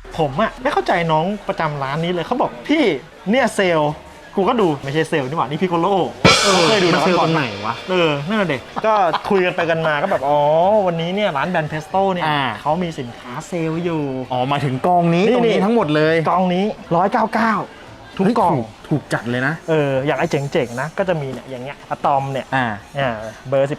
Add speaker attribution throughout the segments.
Speaker 1: ผมอะไม่เข้าใจน้องประจำร้านนี้เลยเขาบอกพี่เนี่ยเซลล์กูก็ดูไม่ใช่เซลล์นี่หว่านี่พิโกโลเคยดูนะ
Speaker 2: เซลล์ตอนไหนวะ
Speaker 1: นั่นแหละเด็กก็คุยกันไปกันมาก็แบบอ๋อวันนี้เนี่ยร้านแบรนด์เพสโต้เนี่ยเขามีสินค้าเซลล์อยู่
Speaker 2: อ๋อมาถึงกองนี้ตรงนี้ทั้งหมดเลย
Speaker 1: กองนี้199ทุกกล่อง
Speaker 2: ถูกจัดเลยนะ
Speaker 1: อย่างไอ้เจ๋งๆนะก็จะมีเนี่ยอย่างเงี้ยอะตอมเนี่ยเบอร์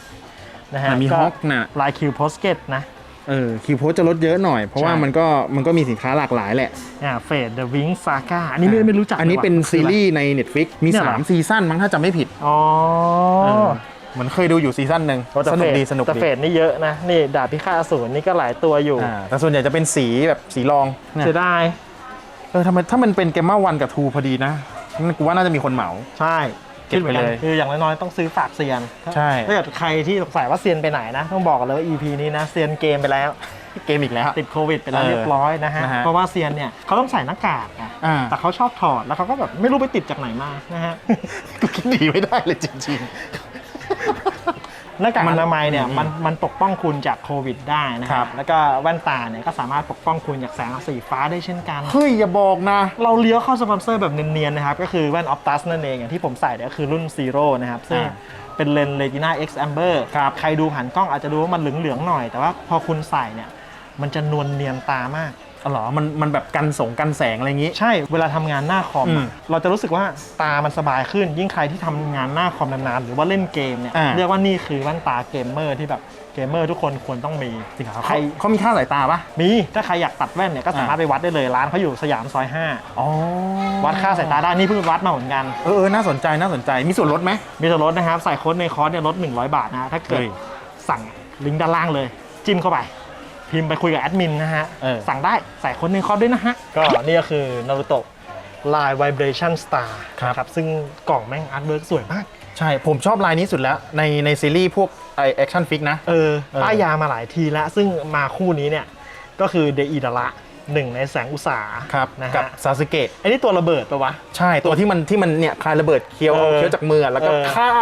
Speaker 1: 18นะฮะ
Speaker 2: มีฮอกนะ
Speaker 1: ลายคิวโพสเกตนะ
Speaker 2: คิวโพสจะลดเยอะหน่อยเพราะว่ามันก็มีสินค้าหลากหลายแหละ
Speaker 1: เฟดเดอะวิงซาก้าอันนี้ไม่รู้จัก
Speaker 2: อันนี้เป็นซีรีส์ใน Netflix มี3ซีซั่นมั้งถ้าจำไม่ผิดเหมือนเคยดูอยู่ซีซั่นหนึ่งสนุกดี
Speaker 1: แต่เฟดนี่เยอะนะนี่ดาบพิฆาตอสูรนี่ก็หลายตัวอยู่
Speaker 2: แต่ส่วนใหญ่จะเป็นสีแบบสีรอง
Speaker 1: เสียดาย
Speaker 2: ทำไมถ้ามันเป็นเกมม่า1กับ2พอดีนะกูว่าน่าจะมีคนเหมา
Speaker 1: ใช่
Speaker 2: เก็บไปเลย
Speaker 1: คืออย่างน้อยๆต้องซื้อฝากเซียน
Speaker 2: ใช่
Speaker 1: ถ้าเกิดใครที่สงสัยว่าเซียนไปไหนนะต้องบอกเลยว่า EP นี้นะเซียนเกมไปแล้ว
Speaker 2: เกมอีกแล้ว
Speaker 1: ติดโควิดไปแล้วเรียบร้อยนะฮะเพราะว่าเซียนเนี่ยเขาต้องใส่หน้ากากนะแต่เขาชอบถอดแล้วเขาก็แบบไม่รู้ไปติดจากไหนมานะฮะ
Speaker 2: คิดดีไม่ได้เลยจริง
Speaker 1: หน้ากากอนามัยเนี่ยมันปกป้องคุณจากโควิดได้นะครับแล้วก็แว่นตาเนี่ยก็สามารถปกป้องคุณจากแสงสีฟ้าได้เช่นกัน
Speaker 2: เฮ้ยอย่าบอกนะ
Speaker 1: เราเลี้ยวเข้าสปอนเซอร์แบบเนียนๆนะครับก็คือแว่น Optus นั่นเองอย่างที่ผมใส่เนี่ยก็คือรุ่น Zero นะครับซึ่งเป็นเลนส์ Retina X Amber ใครดูผ่านกล้องอาจจะดูว่ามันเหลืองๆหน่อยแต่ว่าพอคุณใส่เนี่ยมันจะนวลเนียนตามาก
Speaker 2: อ๋อเหรอมันแบบกันแสงอะไรอย่างงี้
Speaker 1: ใช่เวลาทำงานหน้าคอมเราจะรู้สึกว่าตามันสบายขึ้นยิ่งใครที่ทำงานหน้าคอมนานๆหรือว่าเล่นเกมเนี่ยเรียกว่านี่คือแว่นตาเกมเมอร์ที่แบบเกมเมอร์ทุกคนควรต้องมี
Speaker 2: จริงครับเขามีค่าสายตาปะ
Speaker 1: มีถ้าใครอยากตัดแว่นเนี่ยก็สามารถไปวัดได้เลยร้านเขาอยู่สยามซอย5วัดค่าสายตาได้นี่เพิ่งวัดมาเหมือนกัน
Speaker 2: น่าสนใจมีส่วนลดไหม
Speaker 1: มีส่วนลดนะครับใส่โค้ดในคอร์สเนี่ยลด100 บาทนะถ้าเกิดสั่งลิงก์ด้านล่างเลยจิ้มเข้าไปพิมพ์ไปคุยกับแอดมินนะฮะสั่งได้ใส่คนในคอร์สด้วยนะฮะก็นี่ก็คือนารูโตะลาย Vibration Star ครับซึ่งกล่องแม่งอาร์ตเวิร์กสวยมาก
Speaker 2: ใช่ผมชอบลายนี้สุดแล้วในซีรีส์พวกแอคชั่นฟิกนะ
Speaker 1: ป้ายยามาหลายทีแล้วซึ่งมาคู่นี้เนี่ยก็คือเดอิดาระหนึ่งในแสงอุตสาห์นะ
Speaker 2: กับซาสึเกะ
Speaker 1: อันนี้ตัวระเบิดปะวะ
Speaker 2: ใช่ตัวที่มันเนี่ยคลายระเบิดเคี้ยวจากมือแล้วก็ฆ่า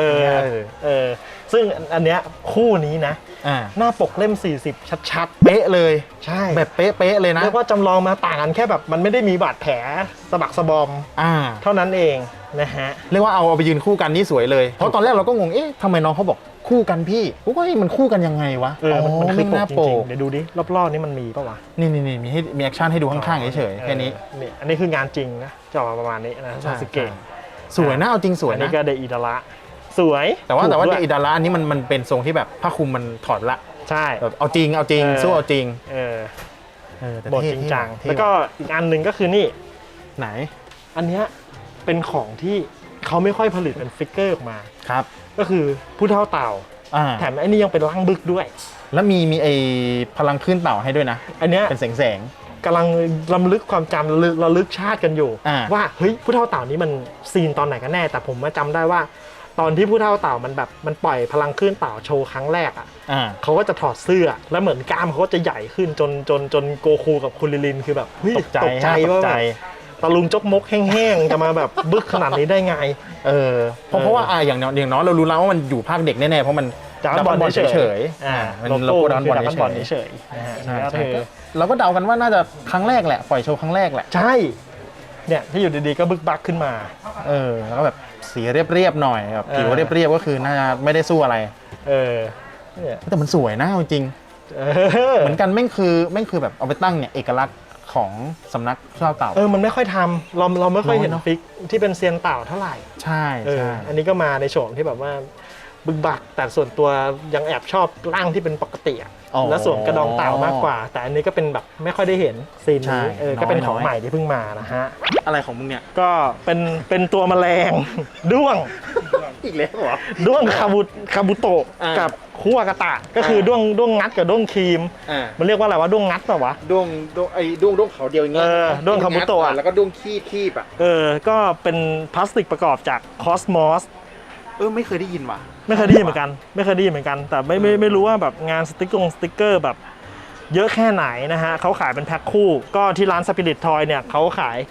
Speaker 1: ซึ่งอันเนี้ยคู่นี้นะหน้าปกเล่ม40ชัดๆ
Speaker 2: เป๊ะเลย
Speaker 1: ใช่
Speaker 2: แบบเป๊ะเลยนะ
Speaker 1: เรียกว่าจำลองมาต่างกันแค่แบบมันไม่ได้มีบาดแผลสะบักสะบอมเท่านั้นเองนะฮะ
Speaker 2: เรียกว่าเอาไปยืนคู่กันนี่สวยเลยเพราะตอนแรกเราก็งงทำไมน้องเขาบอกคู่กันพี่กูก็มันคู่กันยังไงวะ
Speaker 1: มันคือหน้าปกเดี๋ยวดูดิรอบๆนี่มันมีปะวะ
Speaker 2: นี่มีแอคชั่นให้ดูข้างๆเฉยๆแค่นี้
Speaker 1: อันนี้คืองานจริงนะจะออกมาประมาณนี้นะซาสึเกะ
Speaker 2: สวยนะเอาจริงสวยนะ
Speaker 1: นี่ก็เดอิดาระสวย
Speaker 2: แต่ว่าเดอิดาระอันนี้มันเป็นทรงที่แบบผ้าคลุมมันถอดละ
Speaker 1: ใช่
Speaker 2: เอาจริงสู้เอาจริง
Speaker 1: บทจริงจังแล้วก็อีกอันหนึ่งก็คือนี่
Speaker 2: ไหน
Speaker 1: อันเนี้ยเป็นของที่เขาไม่ค่อยผลิตเป็นฟิกเกอร์ออกมา
Speaker 2: ครับ
Speaker 1: ก็คือผู้เฒ่าเต่าแถมไอ้นี่ยังเป็นร่างบึกด้วย
Speaker 2: แล้วมีไอ้พลังขึ้นเต่าให้ด้วยนะ
Speaker 1: อันเนี้ย
Speaker 2: เป็นแสง
Speaker 1: กำลังรำลึกความจำระลึกชาติกันอยู่ว่าเฮ้ยผู้เฒ่าเต่านี้มันซีนตอนไหนกันแน่แต่ผมจำได้ว่าตอนที่ผู้เฒ่าเต่ามันแบบมันปล่อยพลังขึ้นเต่าโชว์ครั้งแรกเขาก็จะถอดเสื้อแล้วเหมือนกล้ามเขาก็จะใหญ่ขึ้นจนโกคูกับคุณลิลินคือแบบ
Speaker 2: ตกใจ
Speaker 1: ว่าตะลุงจกมกแห้งๆจะมาแบบบึกขนาดนี้ได้ไง
Speaker 2: เพราะว่าอย่างน้อยเรารู้แล้วว่ามันอยู่ภาคเด็กแน่ๆเพราะมัน
Speaker 1: ดับบอลเฉย
Speaker 2: มันโลโก้ดับบอล
Speaker 1: เฉย
Speaker 2: เราก็เดากันว่าน่าจะครั้งแรกแหละปล่อยโชว์ครั้งแรกแหละ
Speaker 1: ใช่เนี่ยที่อยู่ดีๆก็บึกบักขึ้นมา
Speaker 2: แล้วก็แบบสีเรียบๆหน่อยแบบผิวเรียบๆก็คือน่าจะไม่ได้สู้อะไรแต่มันสวยนะจริงเหมือนกันแม่งคือแบบเอาไปตั้งเนี่ยเอกลักษณ์ของสำนักเต่าเต่า
Speaker 1: มันไม่ค่อยทำเราไม่ค่อยเห็นฟิกที่เป็นเซียนเต่าเท่าไหร่
Speaker 2: ใช่
Speaker 1: อันนี้ก็มาในโฉมที่แบบว่าบึกบักแต่ส่วนตัวยังแอบชอบร่างที่เป็นปกติและส่วนกระดองเต่ามากกว่าแต่อันนี้ก็เป็นแบบไม่ค่อยได้เห็นซีนนี้ก็เป็นของใหม่ที่เพิ่งมานะฮะ
Speaker 2: อะไรของมึงเนี่ย
Speaker 1: ก็เป็นตัวแมลงด้วง
Speaker 2: อีกแล้วเหรอ
Speaker 1: ด้วงคาบุโตะกับคุวากาตะก็คือด้วงงัดกับด้วงครีมมันเรียกว่าอะไรวะด้วงงัดป่ะวะ
Speaker 2: ด้วงเขาเดียวอย่างเงี้ย
Speaker 1: ด้วงคาบุโตะ
Speaker 2: แล้วก็ด้วงคีบ
Speaker 1: ก็เป็นพลาสติกประกอบจากคอสมอส
Speaker 2: ไม่เคยได้ยินว่ะ
Speaker 1: ไม่เคยได้ยินเหมือนกันแต่ไม่รู้ว่าแบบงานสติ๊กเกอร์แบบเยอะแค่ไหนนะฮะเขาขายเป็นแพ็คคู่ก็ที่ร้านสปิริตทอยเนี่ยเขาขาย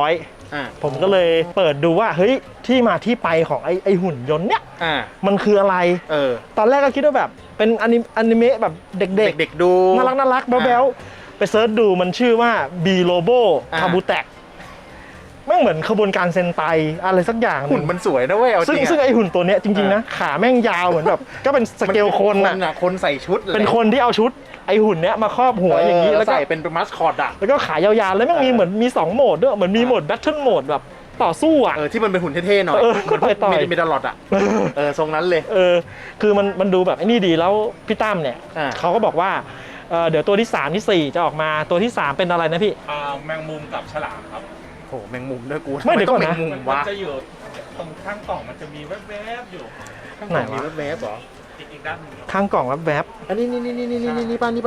Speaker 1: 900ผมก็เลยเปิดดูว่าเฮ้ยที่มาที่ไปของไอหุ่นยนต์เนี่ยมันคืออะไรตอนแรกก็คิดว่าแบบเป็นอนิเมะแบบเด็ก
Speaker 2: ดู
Speaker 1: น่ารักแบ๊วไปเซิร์ชดูมันชื่อว่า B Robo Kabutek แม่งเหมือนขบวนการเซนไตอะไรสักอย่าง
Speaker 2: หุ่นมันสวยนะเว้ยเอาจริง
Speaker 1: ซึ่งไอหุ่นตัวเนี้ยจริงๆนะขาแม่งยาวเหมือนแบบก็เป็นสเกลคนน่ะ
Speaker 2: คนใส่ชุด
Speaker 1: เป็นคนที่เอาชุดไอหุ่นเนี้ยมาครอบหัวอย่างนี้แล้วก็
Speaker 2: ใส่เป็นมัสคอตอ่ะ
Speaker 1: แล้วก็ขายาวๆแล้วแม่งมีเหมือนมี2โหมดด้วยเหมือนมีโหมดแบทเทิลโหมดแบบต่อสู้อ่ะ
Speaker 2: ที่มันเป็นหุ่นเท่ๆหน่อยเหมือนต่อยมีดอลลอดอ่ะทรงนั้นเลย
Speaker 1: คือมันดูแบบไอ้นี่ดีแล้วพี่ตั้มเนี่ยเขาก็บอกว่าเดี๋ยวตัวที่3ที่4จะออกมาตัวที่3เป็นอะไรนะพี่
Speaker 3: แมงมุมกับฉลามครับ
Speaker 2: โอ้แมงมุมด้วยกู
Speaker 1: ไม่เดี๋ยวก่อนนะ
Speaker 3: มันจะอยู่ตรงข้างกล่องมันจะมีแวบๆอยู่
Speaker 2: ไหนมีแวบๆเหรอ
Speaker 3: อีกด้านนึง
Speaker 1: ข้างกล่องแวบ
Speaker 2: อันนี้นี่ป้านี่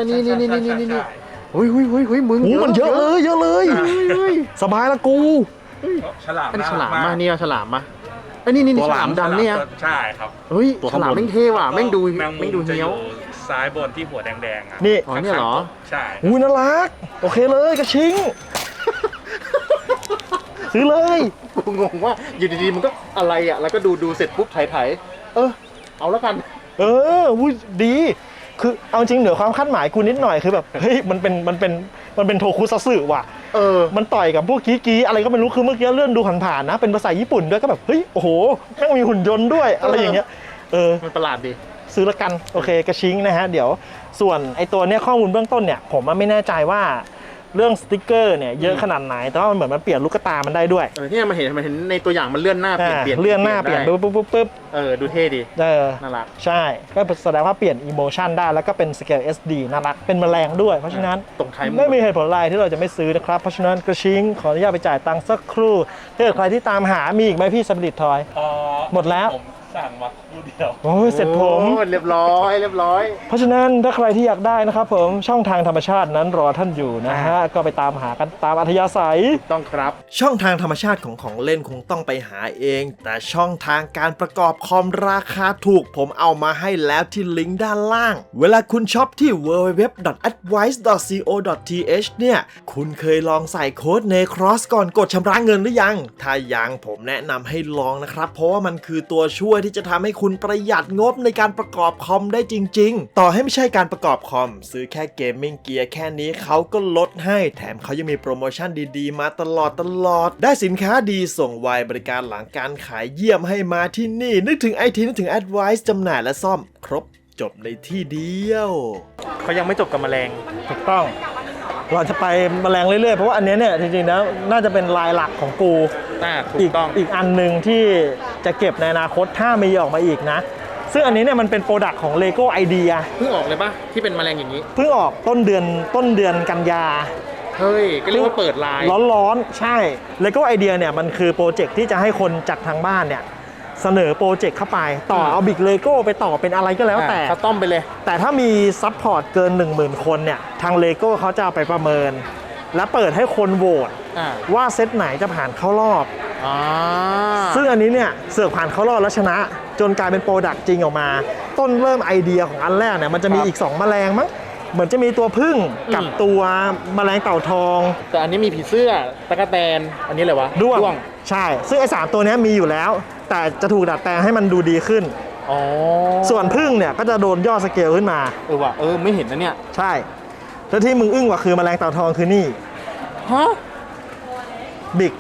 Speaker 2: หุยมึง
Speaker 1: มันเยอะเลยสบายละกู
Speaker 3: ฉลาม
Speaker 2: อันนี้ฉลามมาเนี่ยฉลามมาอันนี้ฉลามดำเนี่ย
Speaker 3: ใช่ครับ
Speaker 2: เฮ้ยฉลามแม่งเท่ว่ะแม่งดูเหี้ยว
Speaker 3: ซ้ายบนที่หัวแดงๆอ่ะ
Speaker 1: นี่
Speaker 2: อ๋อเนี่ยเหรอ
Speaker 3: ใช่
Speaker 1: น่ารักโอเคเลยกระชิงซื้อเลย
Speaker 2: กูงงว่าอยู่ดีๆมันก็อะไรอ่ะแล้วก็ดูเสร็จปุ๊บถ่ายเอาแล้วกัน
Speaker 1: วุ้ยดีคือเอาจริงเหนือความคาดหมายกูนิดหน่อยคือแบบเฮ้ยมันเป็นโทคุซัตสึว่ะมันต่อยกับพวกกี้อะไรก็ไม่รู้คือเมื่อกี้เลื่อนดูผ่านๆนะเป็นภาษาญี่ปุ่นด้วยก็แบบเฮ้ยโอ้โหแม่งมีหุ่นยนต์ด้วยอะไรอย่างเงี้ย
Speaker 2: มันประหลาดดี
Speaker 1: ซื้อละกันโอเคกระชิงนะฮะเดี๋ยวส่วนไอตัวเนี้ยข้อมูลเบื้องต้นเนี่ยผมไม่แน่ใจว่าเรื่องสติกเกอร์เนี่ยเยอะขนาดไหนแต่ว่ามันเหมือนมันเปลี่ยนลูกตามันได้ด้วย
Speaker 2: ที่มันเห็นในตัวอย่างมันเลื่อนหน้าเปลี่ยน
Speaker 1: เลื่อนหน้าเปลี่ยนปุ๊บ
Speaker 2: ดูเท่ดีน่ารัก
Speaker 1: ใช่ก็แสดงว่าเปลี่ยนอิโมชันได้แล้วก็เป็นสเกล SD น่ารักเป็นแมลงด้วยเพราะฉะนั้นไม่มีเหตุผลอะไรที่เราจะไม่ซื้อนะครับเพราะฉะนั้นกระชิงขออนุญาตไปจ่ายตังค์สักครู่ถ้าเกิดใครที่ตามหามีอีกไหมพี่สปิริตทอยหมดแล้ว
Speaker 3: สั่งมาคู่เดียว
Speaker 1: โอ้ยเสร็จผม
Speaker 2: เรียบร้อย
Speaker 1: เพราะฉะนั้นถ้าใครที่อยากได้นะครับผมช่องทางธรรมชาตินั้นรอท่านอยู่นะฮะก็ไปตามหากันตามอัธยาศัย
Speaker 2: ต้องครับ
Speaker 1: ช่องทางธรรมชาติของเล่นคงต้องไปหาเองแต่ช่องทางการประกอบคอมราคาถูกผมเอามาให้แล้วที่ลิงก์ด้านล่างเวลาคุณช็อปที่ www.advice.co.th เนี่ยคุณเคยลองใส่โค้ด NECROSS ก่อนกดชำระเงินหรือยังถ้ายังผมแนะนำให้ลองนะครับเพราะว่ามันคือตัวช่วยที่จะทำให้คุณประหยัดงบในการประกอบคอมได้จริงๆต่อให้ไม่ใช่การประกอบคอมซื้อแค่เกมมิ่งเกียร์แค่นี้เขาก็ลดให้แถมเขายังมีโปรโมชั่นดีๆมาตลอดได้สินค้าดีส่งไวบริการหลังการขายเยี่ยมให้มาที่นี่นึกถึง IT นึกถึง Advice จำหน่ายและซ่อมครบจบในที่เดียว
Speaker 2: เขายังไม่จบกับแมลง
Speaker 1: ถูกต้องเราจะไปแมลงเรื่อยๆเพราะว่าอันนี้เนี่ยจริงๆแล้วน่าจะเป็นลายหลักของกู
Speaker 2: ถูกต้อง
Speaker 1: อีกอันหนึ่งที่จะเก็บในอนาคตถ้ามีออกมาอีกนะซึ่งอันนี้เนี่ยมันเป็นโปรดักต์ของ LEGO Idea
Speaker 2: เพิ่งออกเลยปะที่เป็นแมลงอย่างนี้
Speaker 1: เพิ่งออกต้นเดือนกันยา
Speaker 2: เฮ้ยก็เรียกว่าเปิดไลน์
Speaker 1: ร้อนๆใช่ LEGO Idea เนี่ยมันคือโปรเจกต์ที่จะให้คนจากทางบ้านเนี่ยเสนอโปรเจกต์เข้าไปต่อเอาบิ๊กเลโก้ไปต่อเป็นอะไรก็แล้วแต่
Speaker 2: คัสตอมไปเลย
Speaker 1: แต่ถ้ามีซัพพอร์ตเกิน 10,000 คนเนี่ยทาง LEGO เขาจะเอาไปประเมินและเปิดให้คนโหวตว่าเซตไหนจะผ่านเข้ารอบซึ่งอันนี้เนี่ยเสือกผ่านเข้ารอบแล้วชนะจนกลายเป็นโปรดักต์จริงออกมาต้นเริ่มไอเดียของอันแรกเนี่ยมันจะมีอีก2แมลงมั้งเหมือนจะมีตัวผึ้งกับตัวแมลงเต่าทอง
Speaker 2: แต่อันนี้มีผีเสื้อตะกั่วแตนอันนี้อะไรวะ
Speaker 1: ด้วงใช่ซึ่งไอ้3ตัวนี้มีอยู่แล้วแต่จะถูกดัดแปลงให้มันดูดีขึ้นส่วนผึ้งเนี่ยก็จะโดนย่อสเกลขึ้นมา
Speaker 2: ว่ะไม่เห็นนะเนี่ย
Speaker 1: ใช่แล้วที่มึงอึ้งกว่าคือแมลงเต่าทองคือนี่
Speaker 2: ฮะ
Speaker 1: บิ๊ก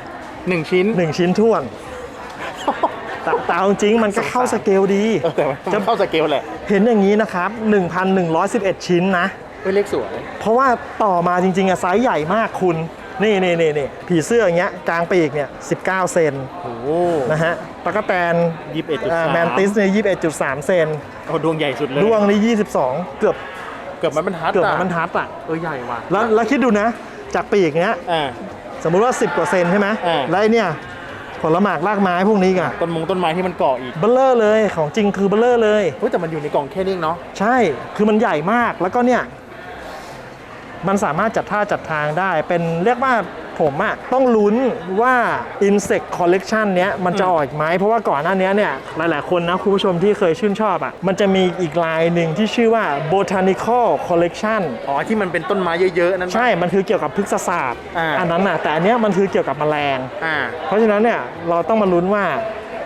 Speaker 2: 1 ชิ้น
Speaker 1: ท่วนแต่จริงมันก็เข้าสเกลดี
Speaker 2: จะเข้าสเกลแหละ
Speaker 1: เห็นอย่างนี้นะครับ 1,111 ชิ้นนะ
Speaker 2: เลขสวย
Speaker 1: เพราะว่าต่อมาจริงๆอะไซส์ใหญ่มากคุณนี่ผีเสื้ออย่างเงี้ยกลางปีกเนี่ย19 เซนนะฮะตะกั่วแตน
Speaker 2: 21.3
Speaker 1: แมนติสเนี่ย21.3 เซน
Speaker 2: ดวงใหญ่สุดเลย
Speaker 1: ดวงนี่22เกือบ
Speaker 2: มันบรรทัด
Speaker 1: อ่ะ
Speaker 2: ใหญ่ว่ะ
Speaker 1: แล้วคิดดูนะจากปีกเนี้ยสมมุติว่า10 กว่าเซนใช่ไหมแล้วไอ้เนี่ยผลหมากรากไม้พวกนี้ไง
Speaker 2: ต้นไม้ที่มันเกาะอีก
Speaker 1: เบลเลอร์เลยของจริงคือเบลเลอร์เลย
Speaker 2: แต่มันอยู่ในกล่องแค่นี้เนาะ
Speaker 1: ใช่คือมันใหญ่มากแล้วก็เนี่ยมันสามารถจัดท่าจัดทางได้เป็นเรียกว่าผมอะต้องลุ้นว่า Insect Collection เนี้ยมันจะออกไหมเพราะว่าก่อนหน้านี้เนี่ยหลายๆคนนะคุณผู้ชมที่เคยชื่นชอบอะมันจะมีอีกลายหนึ่งที่ชื่อว่า Botanical Collection
Speaker 2: ที่มันเป็นต้นไม้เยอะๆนั่น
Speaker 1: ใช่มันคือเกี่ยวกับพฤกษศาสตร์อันนั้นอะแต่อันเนี้ยมันคือเกี่ยวกับแมลงเพราะฉะนั้นเนี่ยเราต้องมาลุ้นว่า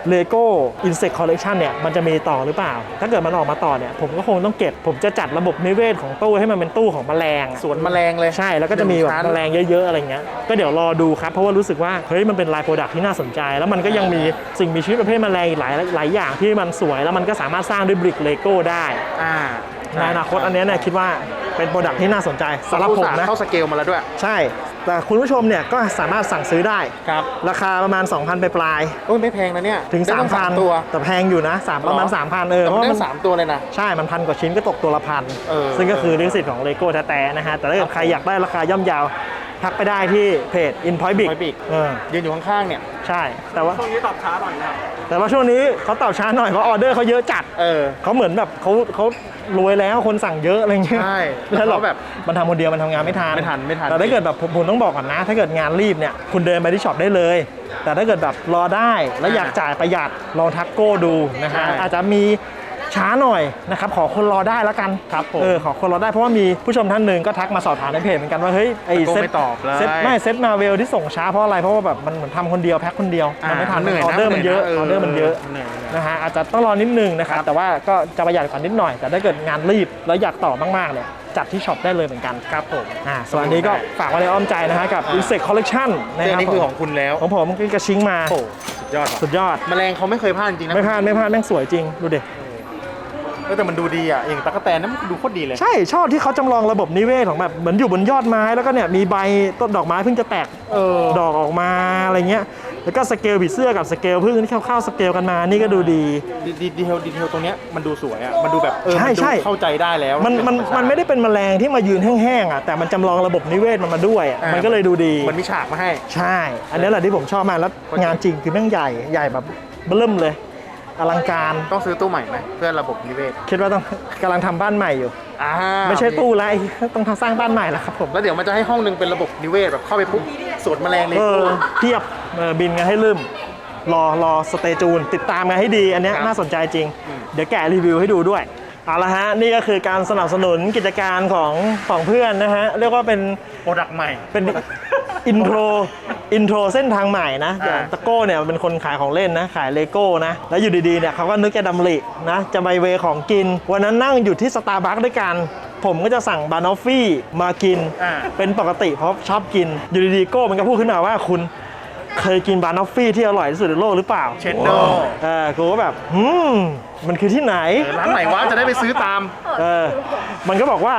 Speaker 1: Lego Insect Collection เนี่ยมันจะมีต่อหรือเปล่าถ้าเกิดมันออกมาต่อเนี่ยผมก็คงต้องเก็บผมจะจัดระบบนิเวศของตู้ให้มันเป็นตู้ของแมลง
Speaker 2: สวนแมลงเลย
Speaker 1: ใช่แล้วก็จะมีแบบแมลงเยอะๆอะไรเงี้ยก็เดี๋ยวรอดูครับเพราะว่ารู้สึกว่าเฮ้ยมันเป็นไลน์โปรดักที่น่าสนใจแล้วมันก็ยังมีสิ่งมีชีวิตประเภทแมลงอีกหลายอย่างที่มันสวยแล้วมันก็สามารถสร้างด้วยบริกเลโก้ได้ในอนาคตอันนี้เนี่ยคิดว่าเป็นโปรดักที่น่าสนใจสำหรับผมนะ
Speaker 2: เข้าสเกลมาแล้วด้วย
Speaker 1: ใช่แต่คุณผู้ชมเนี่ยก็สามารถสั่งซื้อได้
Speaker 2: ครับ
Speaker 1: ราคาประมาณ 2,000 ปลาย
Speaker 2: โอ้ยไม่แพงนะเนี่ย
Speaker 1: ถึง
Speaker 2: ได้ตั้
Speaker 1: 3,000
Speaker 2: ตัว
Speaker 1: แต่แพงอยู่นะประมาณ 3,000เพราะว่า
Speaker 2: ได้
Speaker 1: มัน
Speaker 2: 3 ตัวเลยนะ
Speaker 1: ใช่มัน1,000 กว่าชิ้นก็ตกตัวละพัน ซึ่งก็คือลิขสิทธิ์ของเลโก้แท้ๆนะฮะแต่ถ้าเกิดใครอยากได้ราคาย่อมเยาวทักไปได้ที่เพจ InPoint Big
Speaker 2: ยืนอยู่ข้างๆเนี่ย
Speaker 1: ใช่แต่ว่า
Speaker 3: ช่วงนี้ตอบช้าหน่อยนะ
Speaker 1: แต่ว่าช่วงนี้เขาตอบช้าหน่อยเพราะออเดอร์เขาเยอะจัดเขาเหมือนแบบเขารวยแล้วคนสั่งเยอะอะไรเงี้ย
Speaker 2: ใช่
Speaker 1: แล้วเราแบบมันทำคนเดียวมันทำงานไม่ทัน
Speaker 2: ไม่ทัน
Speaker 1: แต่ถ้าเกิดแบบผมต้องบอกก่อนนะ ถ้าเกิดงานรีบเนี่ยคุณเดินไปที่ช็อปได้เลย แต่ถ้าเกิดแบบรอได้แล้วอยากจ่ายประหยัดลองทักโก้ดูนะฮะอาจจะมีช้าหน่อยนะครับขอคนรอได้แล้วกัน
Speaker 2: ครับผม
Speaker 1: ขอคนรอได้เพราะว่ามีผู้ชมท่านหนึ่งก็ทักมาสอบถามในเพจเหมือนกันว่าเฮ้ยไอ้เซ็ต
Speaker 2: ไม่ตอบเลย
Speaker 1: เซ็ตมาเวลที่ส่งช้าเพราะอะไรเพราะว่าแบบมันเหมือนทำคนเดียวแพ็คคนเดียวมันไม่ทัน
Speaker 2: เหนื่อย
Speaker 1: ออเดอร์มันเยอะออเดอร์มันเยอะ
Speaker 2: เหนื่อย
Speaker 1: นะฮะอาจจะต้องรอนิดนึงนะครับแต่ว่าก็จะประหยัดกว่านิดหน่อยแต่ถ้าเกิดงานรีบแล้วอยากต่อมากๆเนี่ยจัดที่ช็อปได้เลยเหมือนกันครับผมส่วนอันนี้ก็ฝากไว้ในอ้อมใจนะฮะกับ Insect Collection นะครับ
Speaker 2: นี่คือของคุณแล้ว
Speaker 1: ของผมคือกระชิงมา
Speaker 2: โอ้สุดยอด แมลงเขาไม่เคยพลาดจริงนะ
Speaker 1: ไม่พลาดแม่งสวยจริงดูดิ
Speaker 2: แต่มันดูดีอ่ะอย่างตั๊กแตนนั้นมันดูโคตรดีเลย
Speaker 1: ใช่ชอบที่เขาจำลองระบบนิเวศของแบบเหมือนอยู่บนยอดไม้แล้วก็เนี่ยมีใบต้นดอกไม้เพิ่งจะแตกดอกออกมาอะไรเงี้ยแล้วก็สเกลผีเสื้อกับสเกลพึ่งที่เข้าสเกลกันมานี่ก็ดูดี
Speaker 2: ดีเทลตรงเนี้ยมันดูสวยอ่ะมันดูแบบ
Speaker 1: ใช่
Speaker 2: เข้าใจได้แล้ว
Speaker 1: มันไม่ได้เป็นแมลงที่มายืนแห้งๆอ่ะแต่มันจำลองระบบนิเวศมันมาด้วยมันก็เลยดูดี
Speaker 2: มันมีฉากมาให้
Speaker 1: ใช่อันนี้แหละที่ผมชอบมากแล้วงานจริงคือแม่งใหญ่แบบเบิ่มเลยอลังการ
Speaker 2: ต้องซื้อตู้ใหม่ไหมเพื่อระบบนิเวศ
Speaker 1: คิดว่าต้องกำลังทำบ้านใหม่อยู่ไม่ใช่ตู้แล้วต้องสร้างบ้านใหม่แล้วครับผม
Speaker 2: แล้วเดี๋ยวมันจะให้ห้องนึงเป็นระบบนิเวศแบบเข้าไปปุ๊บสวนแมลงเลย
Speaker 1: เทียบบินกันให้ลืมรอสเตจูนติดตามกันให้ดีอันนี้น่าสนใจจริงเดี๋ยวแกะรีวิวให้ดูด้วยเอาละฮะนี่ก็คือการสนับสนุนกิจการของเพื่อนนะฮะเรียกว่าเป็น
Speaker 2: โปรดักต์ใหม่
Speaker 1: เป็นอินโทรเส้นทางใหม่นะตะโก้เนี่ยเป็นคนขายของเล่นนะขายเลโก้นะแล้วอยู่ดีๆเนี่ยเขาก็นึกจะดำรินะจะไปเวของกินวันนั้นนั่งอยู่ที่สตาร์บัคด้วยกันผมก็จะสั่งบานอฟฟี่มากินเป็นปกติเพราะชอบกินอยู่ดีๆโก้มันก็พูดขึ้นมาว่าคุณเคยกินบานอฟฟี่ที่อร่อยที่สุดในโลกหรือเปล่า
Speaker 2: เชนโด
Speaker 1: กูก็แบบมันคือที่ไหน
Speaker 2: ร้านไหนวะจะได้ไปซื้อตาม
Speaker 1: มันก็บอกว่า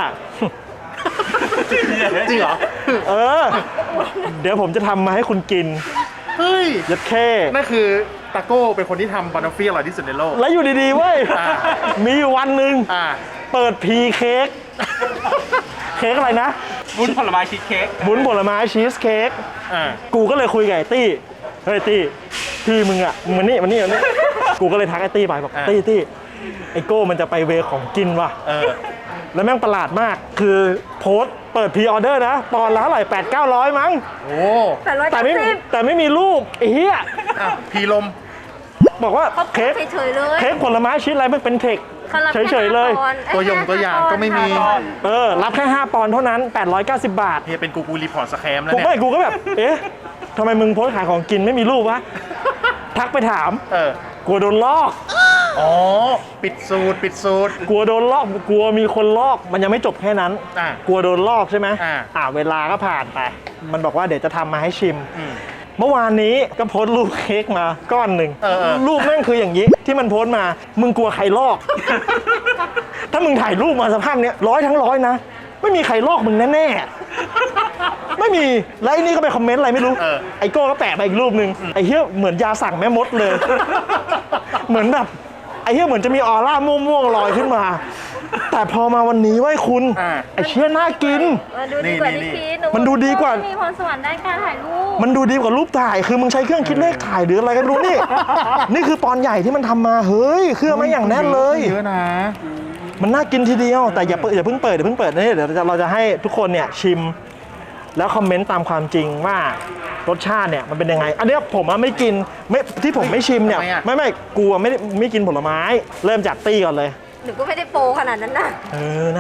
Speaker 2: จริงเหรอ
Speaker 1: เดี๋ยวผมจะทำมาให้คุณกิน
Speaker 2: เฮ้ย
Speaker 1: ยัดแค่
Speaker 2: นั่นคือตาโก้เป็นคนที่ทำบานอฟฟี่อร่อยที่สุดในโลก
Speaker 1: แล้วอยู่ดีๆเว้ยมีอยู่วันหนึ่งเปิดพีเค้กอะไรนะ
Speaker 3: วุ้นผลไม้ชีสเค้ก
Speaker 1: วุ้นผลไม้ชีสเค้กกูก็เลยคุยกับไอ้ตี้เฮ้ยตี้พี่มึงอ่ะมันนี่กูก็เลยทักไอ้ตี้ไปบอกตี้ไอ้โก้มันจะไปเวของกินว่ะแล้วแม่งประหลาดมากคือโพสต์เปิดพรีออเดอร์นะตอนละเท่าไหร่800-900มั้ง
Speaker 2: โอ้
Speaker 1: แต่ไม่มีรูปไอ้เหี้ย
Speaker 2: พีลม
Speaker 1: บอกว่าเค้กผลไม้ชิ้นอะไรมันเป็นเทคเฉยๆเลย
Speaker 2: ตัวอย่างก็ไม่มี
Speaker 1: รับแค่5 ปอนด์เท่านั้น890 บาท
Speaker 2: เฮียเป็นกูรีพอร์ตสแคมแล้วเนี่ย
Speaker 1: กูก็แบบทำไมมึงโพสต์ขายของกินไม่มีรูปวะทักไปถามกลัวโดนลอก
Speaker 2: ปิดสูตร
Speaker 1: กลัวโดนลอกกลัวมีคนลอกมันยังไม่จบแค่นั้นกลัวโดนลอกใช่ไหมเวลาก็ผ่านไปมันบอกว่าเดี๋ยวจะทำมาให้ชิมเมื่อวานนี้ก็โพสต์รูปเค้กมาก้อนหนึ่งรูปแม่งคืออย่างนี้ที่มันโพสต์มามึงกลัวใครลอก ถ้ามึงถ่ายรูปมาสภาพเนี้ย100 ทั้ง 100นะไม่มีใครลอกมึงแน่ๆไม่มีแล้วไอ้นี่ก็ไปคอมเมนต์อะไรไม่รู้ไอโก้ก็แปะมาอีกรูปนึงไอเหี้ยเหมือนยาสั่งแม่มดเลย เหมือนแบบไอเหี้ยเหมือนจะมีออร่าม่วงๆลอยขึ้นมาแต่พอมาวันนี้ไว้คุณไอเชี่ยน่ากินมันดูดีกว่า
Speaker 4: มีพรสวรรค์ด้านการถ่ายรูป
Speaker 1: มันดูดีกว่ารูปถ่ายคือมึงใช้เครื่องคิดเลขถ่ายหรืออะไรกันรู้นี่ นี่คือตอนใหญ่ที่มันทำมาเฮ้ยเครื่องมาอย่างแน่นเลย
Speaker 2: เยอะนะ
Speaker 1: มันน่ากินทีเดียวแต่อย่าเพิ่งเปิดนี่เดี๋ยวเราจะให้ทุกคนเนี่ยชิมแล้วคอมเมนต์ตามความจริงว่ารสชาติเนี่ยมันเป็นยังไงอันนี้ผมไม่กินที่ผมไม่ชิมเนี่ยไม่กลัวไม่กินผลไม้เริ่มจากตี้ก่อนเลย
Speaker 4: หนูก็ไม่ได้โปรขนาดนั้นนะ
Speaker 1: นะ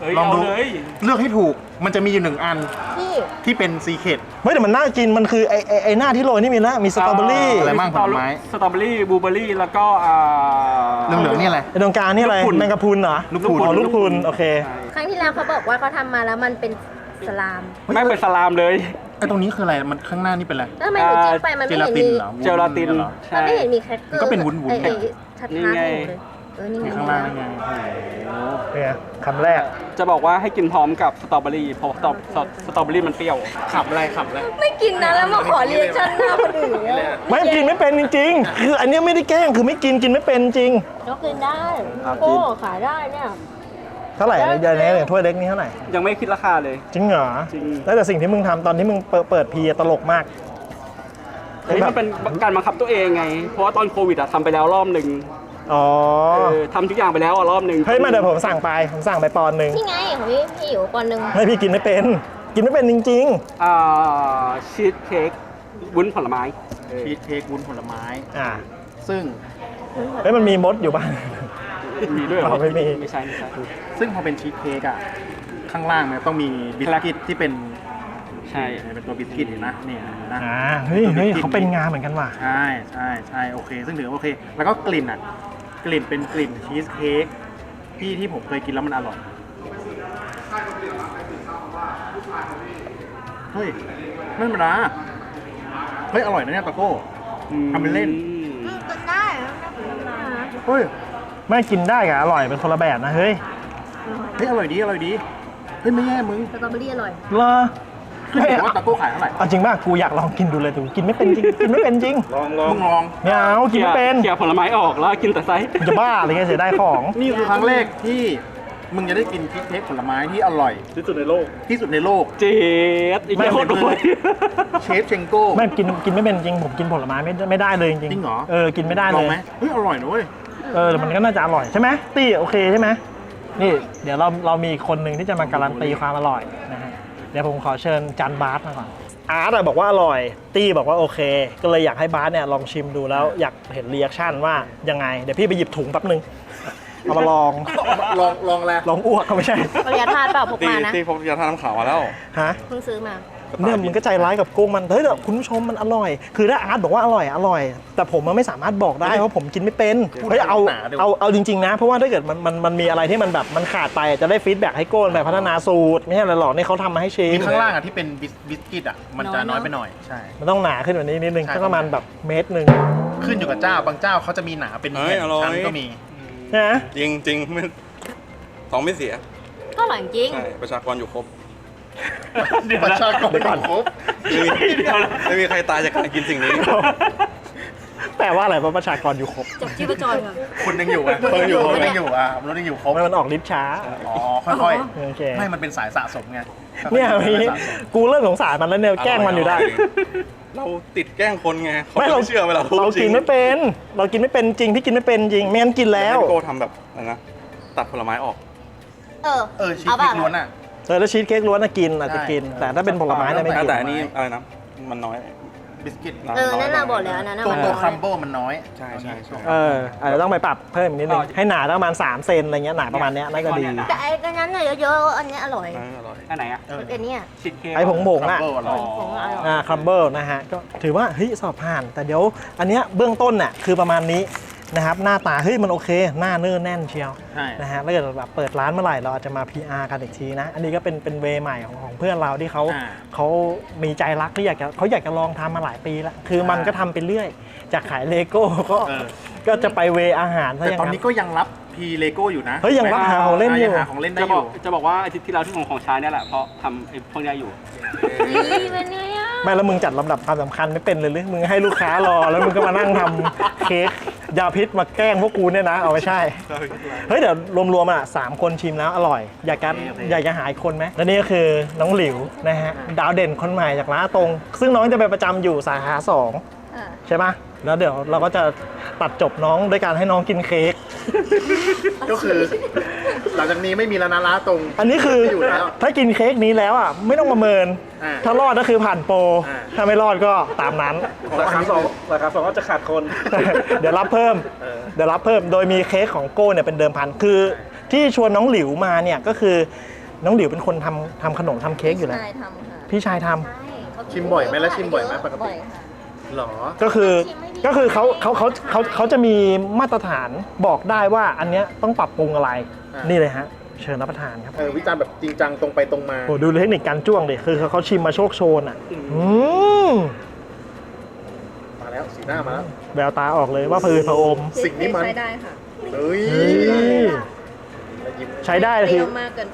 Speaker 2: ลองดู
Speaker 3: เอาเลย
Speaker 2: เลือกให้ถูกมันจะมีอยู่หนึ่งอัน
Speaker 4: พี่
Speaker 2: ที่เป็นซีเคร็ต
Speaker 1: เฮ้ยแต่มันน่ากินมันคือไอ้หน้าที่โรยนี่มีนะมีสตรอเบอรี่
Speaker 2: อะไรบ้างผลไม้
Speaker 3: สตรอเบอรี่บลูเบอรี่แล้วก็
Speaker 2: เหลืองๆนี่อะไร
Speaker 1: ไอ้ตรงกลางนี่อะไร
Speaker 3: ลูกพรุน
Speaker 1: แมงกะพรุนเหรอ
Speaker 2: ลูกพรุน
Speaker 1: อ๋อลูกพรุนโอเค
Speaker 4: ครั้งที่แล้วเขาบอกว่าเขาทำมาแล้วมันเป็นสลาม
Speaker 3: แม่งเป็นสลามเลย
Speaker 2: ไอ้ตรงนี้คืออะไรมันข้างหน้านี่เป็นอะไร
Speaker 4: แล้วทำไมหนูจิ้มไปมัน
Speaker 2: เจ
Speaker 4: ไม่
Speaker 2: ลา
Speaker 4: เห็น
Speaker 2: ติน
Speaker 4: มี
Speaker 2: เหรอ
Speaker 3: เจลาติน
Speaker 2: เหรอ
Speaker 4: มั
Speaker 3: ใช่
Speaker 4: นไม่เห็นมีแครกเกอร์
Speaker 2: ก็เป็นวุ้นๆ
Speaker 4: ไอ้ชัด
Speaker 3: นี่
Speaker 4: ๆ
Speaker 3: ไง
Speaker 4: เลยนี่
Speaker 2: นี่
Speaker 4: ไง
Speaker 2: ข้างล่างนี่ไง
Speaker 1: เนี่ยคำแรก
Speaker 3: จะบอกว่าให้กินพร้อมกับสตรอเบอรี่เพราะสตรอเบอรี่มันเปรี้ยว
Speaker 2: ขับอะไรขับอะไร
Speaker 4: ไม่กินนะแล้วมาขอเรียกชันหน้าคนอื่นเนี่ย
Speaker 1: ไม่กินไม่เป็นจริงๆ คืออันเนี้ยไม่ได้แกล้งคือไม่กินไม่เป็นจริง
Speaker 4: ก็กินได้
Speaker 3: ครับ
Speaker 4: โก้ขายได้เนี่ย
Speaker 1: เท่าไหร่อะไรอย่างเงี้ยเนี่ยถ้วยเล็กนี่เท่าไหร่
Speaker 3: ยังไม่คิดราคาเลย
Speaker 1: จริงเหรอ
Speaker 3: จริง
Speaker 1: แล้วแต่สิ่งที่มึงทำตอนที่มึงเปิดพีตลกมาก
Speaker 3: อันนี้มันเป็นการบังคับตัวเองไง เพราะว่าตอนโควิดอะทำไปแล้วรอบหนึ่ง
Speaker 1: อ๋อ
Speaker 3: ทำทุกอย่างไปแล้วอะรอบหนึ่ง
Speaker 1: เฮ้ยมาเดี๋ยวผมสั่งไปปอนด์หนึ่ง
Speaker 4: นี่ไงของพี่อยู่ปอนด์หนึ่ง
Speaker 1: ให้พี่กินไม่เป็นจริง
Speaker 3: ชีสเค้กวุ้นผลไม้
Speaker 2: ชีสเค้กวุ้นผลไม้
Speaker 1: ๆอ่า
Speaker 2: ซึ่ง
Speaker 1: เฮ้ยมันมีมดอยู่บ้าน
Speaker 3: มีด้วยเหรอ
Speaker 1: อ๋อไม่มี
Speaker 3: ไม่ใช่
Speaker 2: ซึ่งพอเป็นชีสเค้กอ่ะข้างล่างมันต้องมีบิสกิตที่เป็น
Speaker 3: ใช่
Speaker 2: เป็นตัวบิสกิตเห็นไหมเนี่ยนะ
Speaker 1: อ่าเฮ้ยเขาเป็นงานเหมือนกันว่ะ
Speaker 2: ใช่โอเค ซึ่งถือว่าโอเค แล้วก็กลิ่นอ่ะกลิ่นเป็นกลิ่นชีสเค้กที่ผมเคยกินแล้วมันอร่อยเฮ้ยไม่ธรรมดาเฮ้ยอร่อยนะเนี่ยตะโก้ ทำเป็นเล่น
Speaker 4: กินได้
Speaker 2: เฮ้ย
Speaker 1: ไม่กินได้กับอร่อยเป็นคนละแบบนะเฮ้ย
Speaker 2: อร่อยดีเฮ้ยไม่แย่มึง
Speaker 4: สตรอเบอรี่อร่อย
Speaker 1: เหรอ
Speaker 2: ขึ้นอยู่กับว่าตะโก้ขายเท่าไหร่
Speaker 1: เอาจริงป่ะกูอยากลองกินดูเลยแต่กูกินไม่เป็นจริงกินไม่เป็นจริง
Speaker 2: มึงลอง
Speaker 1: ไม่เอากินไม่เป็น
Speaker 3: เกี่ยวผลไม้ออกแล้วกินแต่ไซส์
Speaker 1: มึงจะบ้าอะไรเงี้ยเสียดายของ
Speaker 2: นี่คือครั้งแรกที่มึงจะได้กินชีสเค้กผลไม้ที่อร่อย
Speaker 3: ที่สุดในโลก
Speaker 2: ที่สุดในโลก
Speaker 3: เจ๊ดอีกแค่โคตรรวย
Speaker 2: เชฟเชงโก้
Speaker 1: ไม่กินไม่เป็นจริงผมกินผลไม้ไม่ได้เลยจริง
Speaker 2: จริงเหรอ
Speaker 1: กินไม่ได้
Speaker 2: ล
Speaker 1: เล
Speaker 2: อง
Speaker 1: ย
Speaker 2: ไหมเฮ้ยอร่อยนะเว้ย
Speaker 1: แต่มันก็น่าจะอร่อยใช่ไหมตี้โอเคใช่ไหมนี่เดี๋ยวเรามีคนหนึ่งที่จะมาการันตีความอร่อยนะฮะเดี๋ยวผมขอเชิญจันบาสมาก่อนอาร์ตบอกว่าอร่อยตี้บอกว่าโอเค ก็เลยอยากให้บาสเนี่ยลองชิมดูแล้วอยากเห็นรีแอคชั่นว่ายังไงเดี๋ยวพี่ไปหยิบถุงแป๊บนึงเอามาลอง
Speaker 2: ลองแล้ว
Speaker 1: ลองอ้วกก็ไม่ใช่
Speaker 4: ปริยาทานเปล่าพกมานะ
Speaker 3: ตีพกยาทาน้ำขาวมาแล้ว
Speaker 1: ฮะ
Speaker 4: เพิ่งซื้อมา
Speaker 1: เนี่ยมันก็ใจร้ายกับกุ้งมันเฮ้ยแต่คุณผู้ชมมันอร่อย คือถ้าอาร์ตบอกว่าอร่อย แต่ผมมันไม่สามารถบอกได้เพราะผมกินไม่เป็นเฮ้ยเอาจริงๆนะเพราะว่าถ้าเกิดมันมีอะไรที่มันแบบมันขาดไปจะได้ฟีดแบ็กให้โก้แบบพัฒนาสูตรไม่ใช่อะไรหรอกนี่เขาทำมาให้ชิม
Speaker 2: มีข้างล่างอ่ะที่เป็นบิสกิตอ่ะมันจะน้อยไปหน่อยใช่
Speaker 1: มันต้องหนาขึ้นกว่านี้นิดนึง
Speaker 2: ใช่
Speaker 1: สักประมาณแบบเมตรหนึ่ง
Speaker 2: ขึ้นอยู่กับเจ้าบางเจ้าเขาจะมีหนาเป็น
Speaker 5: เฮ้ย
Speaker 2: แผ่น
Speaker 5: อร่อย
Speaker 2: ชั้นก็มี
Speaker 1: นะ
Speaker 5: จริงจริงไม่ท้องไม่เสีย
Speaker 4: ก็อร่อยจริง
Speaker 5: ใช่ ประชากรอยู่ครบ
Speaker 2: ประชากรอยู่ครบ
Speaker 5: ไม่มีใครตายจากการกินสิ่งนี้
Speaker 1: แปลว่าอะไรว่าประชากรอยู่ครบ
Speaker 4: จับชีพจรค่ะ
Speaker 2: คนยังอยู่อ่ะคนยังอยู่อ่ะมนุษย์ยังอยู่ครบ
Speaker 1: มันออกฤทธิ์ช้า
Speaker 2: อ๋อค่อย
Speaker 1: โอเค
Speaker 2: ๆไม่มันเป็นสายสะสมไง
Speaker 1: เนี่ย
Speaker 2: ค่อ
Speaker 1: พี่
Speaker 2: ๆสะสม
Speaker 1: กูเริ่มสงสารมันแล้วเนี่ยแกล้งมันอยู่ได้
Speaker 5: เราติดแกล้งคนไงเขา
Speaker 1: ไม่เรา
Speaker 5: ไม่เชื่อเวลา
Speaker 1: เรากินไม่เป็น เรากินไม่เป็นจริงพี่กินไม่เป็นจริงไม่งั้นกิน
Speaker 5: แล้
Speaker 1: แล้ว ว
Speaker 5: โกทำแบบอะไรนะ ตัดผลไม้ออก
Speaker 2: ชีสพริกล้วนอ่ะ
Speaker 1: แล้วชีสเค้กล้วนน่ะกินอาจจะกิน แต่ถ้าเป็นผลไม้เนี่ยไม่กิน
Speaker 5: แต่อันนี้อะไรนะ มันน้อย
Speaker 2: บิสกิต
Speaker 4: นั่นน่ะบอกแล้วอันนั้นน่ะ
Speaker 2: ตัว
Speaker 4: มัน
Speaker 2: ตัว
Speaker 4: น้อย
Speaker 2: คัมโบมันน้อย
Speaker 5: ใช่
Speaker 1: อาจจะต้องไปปรับเพิ่มอีกนิดนึงให้หนาประมาณ3เซนอะไรเงี้ยหนาประมาณเนี้ยน่าจะดี
Speaker 4: แต่ไอ้อันนั้นน่ะเยอะๆอันเนี้ยอร่อย
Speaker 5: อร่อย
Speaker 3: อันไหนอ่ะ
Speaker 4: อันเนี้ย
Speaker 3: ชีสเค้ก
Speaker 1: ไอ้ผงๆอ่ะ
Speaker 2: คัมโบอร่อย
Speaker 4: ของอร่อย
Speaker 1: ครัมเบิลนะฮะก็ถือว่าเฮ้ยสอบผ่าน แต่เดี๋ยวอันเนี้ยเบื้องต้นน่ะคือประมาณนี้นะครับหน้าตาเฮ้ยมันโอเค หน้าเนื้อแน่นเชียว
Speaker 2: ใช่
Speaker 1: นะฮะแล้วเกิดแบบเปิดร้านเมื่อไหร่เราอาจจะมา PR กันอีกทีนะ อันนี้ก็เป็นเวใหม่ของเพื่อนเราที่เขามีใจรักที่อยากจะลองทำมาหลายปีแล้วคือมันก็ทำไปเรื่อยจากขายเลโก้ก็จะไปเวอาหารซะ
Speaker 2: แต่
Speaker 1: อย่าง
Speaker 2: ตอน
Speaker 1: นั้น
Speaker 2: นี้ก็ยังรับพีเลโก้อยู่นะ
Speaker 1: เฮ้ยยังรับหาของเล่นอยู่
Speaker 2: ยังหาของเล่นได้อยู่
Speaker 3: จะบอกว่าอาทิตย์ที่แล้วที่ของใช้เนี่ยแหละเพราะทำไอ้พวกเนี้ยอยู่
Speaker 4: นี่เป็นไงอ่ะ
Speaker 1: ไม่แล้วมึงจัดลำดับความสำคัญไม่เป็นเลยหรือมึงให้ลูกค้ารอแล้วมึงก็มานั่งทำเค้กยาพิษมาแกล้งพวกกูเนี่ยนะเอาไม่ใช่ เฮ้ยเดี๋ยวรวมๆอ่ะ3 คนชิมแล้วอร่อย อยากจะหาอีกคนไหมและนี่ก็คือน้องหลิวนะฮะดาวเด่นคนใหม่จากร้านตรง ซึ่งน้องจะไปประจำอยู่สาขา2ใช่ปะแล้วเดี๋ยวเราก็จะตัดจบน้องด้วยการให้น้องกินเค้ก
Speaker 2: ก็คือ หลังจากนี้ไม่มีแล้วนะร้านตรง
Speaker 1: อันนี้คือ
Speaker 2: ไม่อยู่แล้ว
Speaker 1: ถ้ากินเค้กนี้แล้วอ่ะไม่ต้องประเมิน
Speaker 2: อ่า
Speaker 1: ถ้ารอดก็คือผ่านโปร
Speaker 2: อ่า
Speaker 1: ถ้าไม่รอดก็ตามนั้น
Speaker 3: ราคาสองก็จะขาดคน
Speaker 1: เดี๋ยวรับเพิ่ม โดยมีเค้กของโก้เนี่ยเป็นเดิมพันคือที่ชวนน้องหลิวมาเนี่ยก็คือน้องหลิวเป็นคนทำขนมทำเค้กอยู่แล้ว
Speaker 4: ใช่ทำค่ะ
Speaker 1: พี่ชายทำ
Speaker 4: ใช่เขา
Speaker 2: ชิมบ่อยไหมแล้วชิมบ่อยไหมปกติ
Speaker 4: บ่อยค่ะ
Speaker 2: หรอ
Speaker 1: ก็คือเขาจะมีมาตรฐานบอกได้ว่าอันเนี้ยต้องปรับปรุงอะไร นี่เลยฮะเชิญรับประทานครับ
Speaker 2: วิจารณ์แบบจริงจังตรงไปตรงมา
Speaker 1: โอ้ดูเทคนิคการจ้วงดิคือเขาชิมมาโชคโชนอ่ะม
Speaker 2: มาแล้วสีหน้ามาแล้ว
Speaker 1: แววตาออกเลยว่าพือพระอม
Speaker 2: สิ่งนี้มัน
Speaker 4: ใช้ได้ค่ะ
Speaker 2: เฮ้ย
Speaker 1: เฮ้ย
Speaker 2: แล้วยิ้ม
Speaker 1: ใช้ได้
Speaker 4: เป
Speaker 1: คื
Speaker 4: รี้
Speaker 1: อ
Speaker 4: ยวมากเกินไป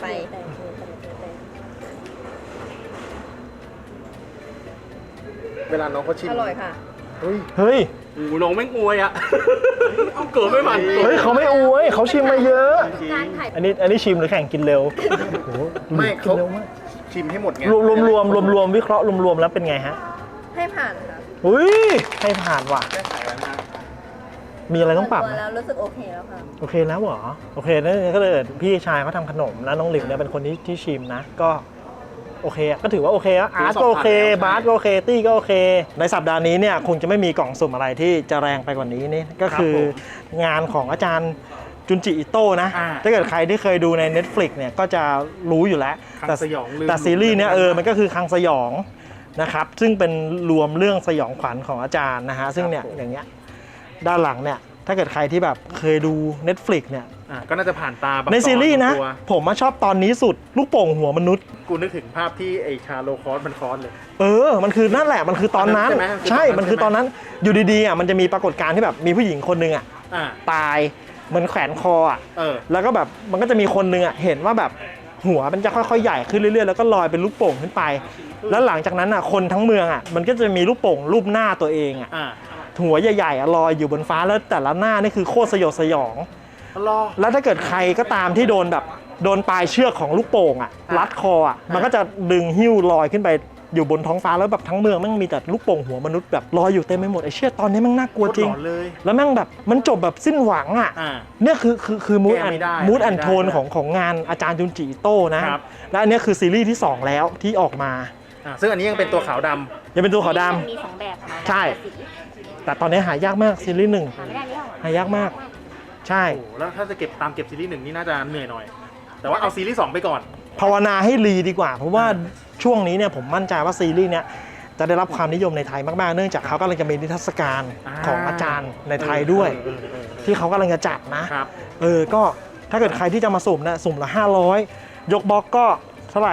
Speaker 2: เวลาน้องเขาชิม
Speaker 4: อร่อยค่ะ
Speaker 2: เฮ้ย
Speaker 1: เฮ้ย
Speaker 3: โอ้โหน้องแม่งอวยอ่ะ เอาเกิดไม่หมัน
Speaker 1: เฮ้ยเขาไม่อวยเขาชิมมาเยอะ
Speaker 4: การถ่าย
Speaker 1: อันนี้ชิมหรือแข่งกินเร็วโอ้โห
Speaker 2: ไม่
Speaker 1: กิ
Speaker 2: เขา
Speaker 1: นเร็วมาก
Speaker 2: ชิมให้หมดไง
Speaker 1: รวมวิเคราะห์รวมแล้วเป็นไงฮะ
Speaker 4: ให้ผ่านค่ะ
Speaker 1: อุ้ยให้ผ่านว่ะ
Speaker 2: แก้ไขแล้วนะ
Speaker 1: มีอะไรต้องปรับ
Speaker 4: ส่วน
Speaker 1: ไหม
Speaker 4: ตัวแล้วรู้สึกโอเคแล้วค่ะ
Speaker 1: โอเคแล้วเหรอโอเคนั่นก็เลยพี่ชายเขาทำขนมแล้วน้องหลิวเนี่ยเป็นคนที่ชิมนะก็โอเคอะก็ถือว่าโอเคอะอาร์ตก็โอเคบาสก็โอเคตี้ก็โอเคในสัปดาห์นี้เนี่ยคงจะไม่มีกล่องสุ่มอะไรที่จะแรงไปกว่านี้นี่ก็คืองานของอาจารย์จุนจิอิโต้นะถ้าเกิดใครที่เคยดูใน Netflix เนี่ยก็จะรู้อยู่แล้ว
Speaker 2: คังสยองลืม
Speaker 1: แต่ซีรีส์เนี่ยมันก็คือคังสยองนะครับซึ่งเป็นรวมเรื่องสยองขวัญของอาจารย์นะฮะซึ่งเนี่ยอย่างเงี้ยด้านหลังเนี่ยถ้าเกิดใครที่แบบเคยดู Netflix เนี่ย
Speaker 2: ก็น่าจะผ่านตาบาง
Speaker 1: ในซีรีส์นะ
Speaker 2: ตอตัว
Speaker 1: ผมมาชอบตอนนี้สุดลูกโป่งหัวมนุษย์
Speaker 2: กูนึกถึงภาพที่ไอชาโลคอสมันคอสเลย
Speaker 1: มันคือนั่นแหละมันคือตอนนั้น
Speaker 2: ใช่ไหม
Speaker 1: ใช่มันคือตอนนั้นอยู่ดีๆมันจะมีปรากฏการณ์ที่แบบมีผู้หญิงคนหนึ่งตายเหมือนแขวนคอแล้วก็แบบมันก็จะมีคนหนึ่งเห็นว่าแบบหัวมันจะค่อยๆใหญ่ขึ้นเรื่อยๆแล้วก็ลอยเป็นลูกโป่งขึ้นไป แล้วหลังจากนั้นคนทั้งเมืองมันก็จะมีลูกโป่งรูปหน้าตัวเองหัวใหญ่ๆลอยอยู่บนฟ้าแล้วแต่ละหน้านี่คือโคตรสยดสยองแล้วถ้าเกิดใครก็ตามที่โดนปลายเชือกของลูกโป่งรัดคอมันก็จะดึงหิ้วลอยขึ้นไปอยู่บนท้องฟ้าแล้วแบบทั้งเมืองแม่งมีแต่ลูกโป่งหัวมนุษย์แบบลอยอยู่เต็มไปหมดไอ้เชี่ยตอนนี้แม่งน่ากลัวจริง
Speaker 2: เลย
Speaker 1: แล้วแม่งแบบมันจบแบบสิ้นหวังเนี่ยคือมูด
Speaker 2: แก้ไม่ได้
Speaker 1: แอนโทนของงานอาจารย์จุนจิอิโต้นะและอันนี้คือซีรีส์ที่ 2 แล้วที่ออกมา
Speaker 2: ซึ่งอันนี้ยังเป็นตัวขาวดำ
Speaker 1: ยังเป็นตัวขาวด
Speaker 4: มีสองแบบค่ะ
Speaker 1: ใช่ แต่ตอนนี้หายากมากซีรีส์
Speaker 4: หาไม่ได้นี่หรอ
Speaker 1: หายากมาก ใช่
Speaker 2: โอ้โหแล้วถ้าจะเก็บซีรีส์หนึ่งนี่น่าจะเหนื่อยหน่อย แต่ว่าเอาซีรีส์2ไปก่อน
Speaker 1: ภาวนาให้รีดีกว่า เพราะว่าช่วงนี้เนี่ยผมมั่นใจว่าซีรีส์เนี้ยจะได้รับความนิยมในไทยมากๆเนื่องจากเขากำลังจะมีนิทรรศการของอาจารย์ในไทยด้วย ที่เขากำลังจะจัดนะครับ ก็ถ้าเกิดใครที่จะมาสุ่มนะสุ่มละ500ยกบล็อกก็เท่าไหร่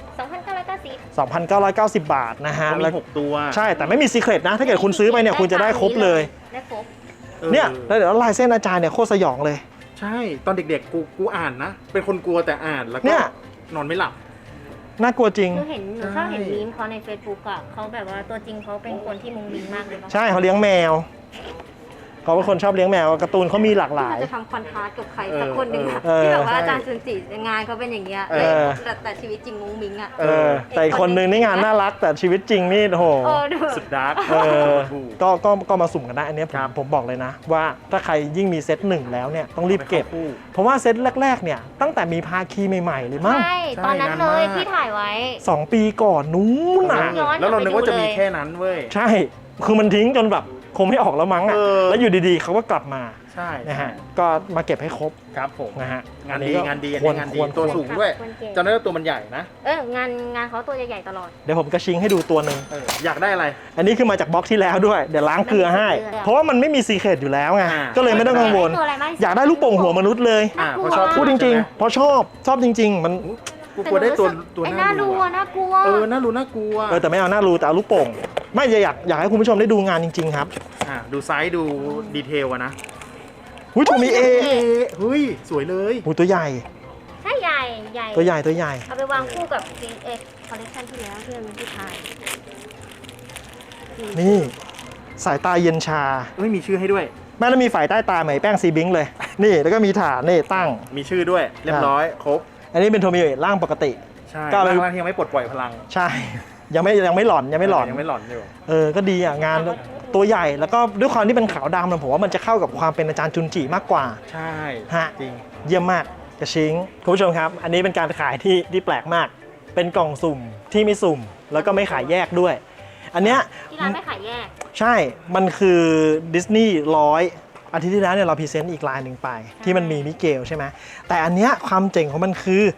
Speaker 4: 2,990
Speaker 1: 2,990 บาทนะฮะ
Speaker 2: เขามี
Speaker 1: แล้ว
Speaker 2: 6 ตัว
Speaker 1: ใช่แต่ไม่มีซีเครตนะถ้าเกิดคุณซื้อไปเนี่ยคุณจะได้ครบเลย
Speaker 4: ได้ครบ
Speaker 1: เนี่ยแล้วเดี๋ยวลายเส้นอาจารย์เนี่ยโคตรสยองเลย
Speaker 2: ใช่ตอนเด็กๆกูอ่านนะ เป็นคนกลัวแต่อ่านแล้ว
Speaker 1: เนี่
Speaker 2: ก็
Speaker 1: ย
Speaker 2: นอนไม่หลับ
Speaker 1: น่ากลัวจริง
Speaker 6: หนูชอบเห็นมีมเขาใน Facebook อ่ะเขาแบบว่าตัวจริงเขาเป็นคนที่มุงมิงมากเลย
Speaker 1: ใช่เขาเลี้ยงแมวเขาเป็นคนชอบเลี้ยงแมวการ์ตูนเขามีหลากหลาย
Speaker 6: จะทำคอนทราสต์กับใครสักคนหนึ่งอะ
Speaker 1: เออ
Speaker 6: ที่แบบว่าอาจารย์จุนจิงานเขาเป็นอย่างเงี้ย
Speaker 1: เออ
Speaker 6: แต่ชีวิตจริงมุงมิงอ่ะ
Speaker 1: แต่อีกคนนึงนี่งานน่ารักแต่ชีวิตจริงนี่โอ้โห
Speaker 6: ดู
Speaker 2: สุดดาร์ก
Speaker 1: ก็มาสุ่มกันได้อันนี้ผมบอกเลยนะ ว่าถ้าใครยิ่งมีเซตหนึ่งแล้วเนี่ยต้องรีบเก็บ เพราะว่าเซตแรกๆเนี่ยตั้งแต่มีภาคีใหม่ๆเลยมั้ง
Speaker 6: ใช่ตอนนั้นเลยที่ถ่ายไว้
Speaker 1: 2 ปีก่อนนู้นน่ะ
Speaker 6: ย้อน
Speaker 2: แล้วเรานึกว่าจะมี
Speaker 6: ไปดูเลย
Speaker 2: แค่นั้นเว้ย
Speaker 1: ใช่คือมันทิ้งจนแบบคงไม่ออกแล้วมั้งอ่ะ แล้วอยู่ดีๆเขาก็กลับมา
Speaker 2: ใช่
Speaker 1: นะฮะก็มาเก็บให้ครบ
Speaker 2: ครับผม
Speaker 1: นะฮะ
Speaker 2: งานดี
Speaker 1: ก็
Speaker 2: งานดี
Speaker 1: ควร
Speaker 2: งานดี
Speaker 1: ควร
Speaker 2: ตัวสูงด้วย
Speaker 6: ควรเก็บ
Speaker 2: จำได้ว่าตัวมันใหญ่นะ
Speaker 6: งานเขาตัวใหญ่ๆตลอด
Speaker 1: เดี๋ยวผมกระชิงให้ดูตัวหนึ่ง
Speaker 2: อยากได้อะไร
Speaker 1: อันนี้คือมาจากบล็อกที่แล้วด้วยเดี๋ยวล้างเกลือให้ เพราะว่ามันไม่มีซีเครตอยู่แล้วไง
Speaker 2: อ่า
Speaker 1: ก็เลยไม่ต้องกังวล
Speaker 6: ตัวอะไรมากที่สุด
Speaker 1: อยากได้ลูกโป่งหัวมนุษย์เลย
Speaker 2: เพราะชอบ
Speaker 1: พูดจริงๆเพราะชอบจริง ๆ มัน
Speaker 2: กูกลัวได้ตัว
Speaker 6: ไอ้
Speaker 2: น่า
Speaker 6: น่า
Speaker 2: ดู
Speaker 6: ดู
Speaker 2: อะ
Speaker 6: น่ากลัว
Speaker 2: น่ารู้น่ากลัว
Speaker 1: แต่ไม่เอาหน้ารูแต่เอาลูกโป่งไม่อยากให้คุณผู้ชมได้ดูงานจริง ๆ ครับ
Speaker 2: ดูไซส์ดูดีเทลอะนะ
Speaker 1: หุ้ยตัวมีเอ
Speaker 2: เฮ้ยสวยเลย
Speaker 1: หูตัวใหญ่
Speaker 6: ใช่ใหญ่
Speaker 1: ตัวใหญ่ตัวใหญ่
Speaker 6: เอาไปวางคู่กับ CX Collection ที่แล้วที่มันเป็นที่ไทย
Speaker 1: นี่สายตาเย็นชา
Speaker 2: มีชื่อให้ด้วย
Speaker 1: แม่แล้วมีฝ่ายใต้ตาเหมือนแป้งซีบิงค์เลย นี่แล้วก็มีฐานนี่ตั้ง
Speaker 2: มีชื่อด้วย เรียบร้อย ครบ
Speaker 1: อันนี้เป็นโทมิโอะร่างปกติ
Speaker 2: ใช่
Speaker 1: ก็เลย
Speaker 2: ร่างที่ยังไม่ปลดปล่อยพลัง
Speaker 1: ใช่ยังไม่หลอนยังไม่หลอน
Speaker 2: ยังไม่หลอนอยู่
Speaker 1: ก็ดีอ่ะงานตัวใหญ่แล้วก็ด้วยความที่เป็นขาวดำนะผมว่ามันจะเข้ากับความเป็นอาจารย์จุนจิมากกว่า
Speaker 2: ใช่
Speaker 1: ฮะ
Speaker 2: จริง
Speaker 1: เยี่ยมมากกระชิงคุณผู้ชมครับ อันนี้เป็นการขายที่แปลกมาก เป็นกล่องสุ่มที่ไม่สุ่ม แล้วก็ไม่ขายแยกด้วย อันเนี้ย
Speaker 6: ที่ร้านไม่ขายแยก
Speaker 1: ใช่มันคือดิสนีย์100อาทิตย์ที่แล้วเนี่ยเราพรีเซนต์อีกลายหนึ่งไป ที่มันมีมิเกลใช่ไหมแต่อันเนี้ยความเจ๋งของมันคือ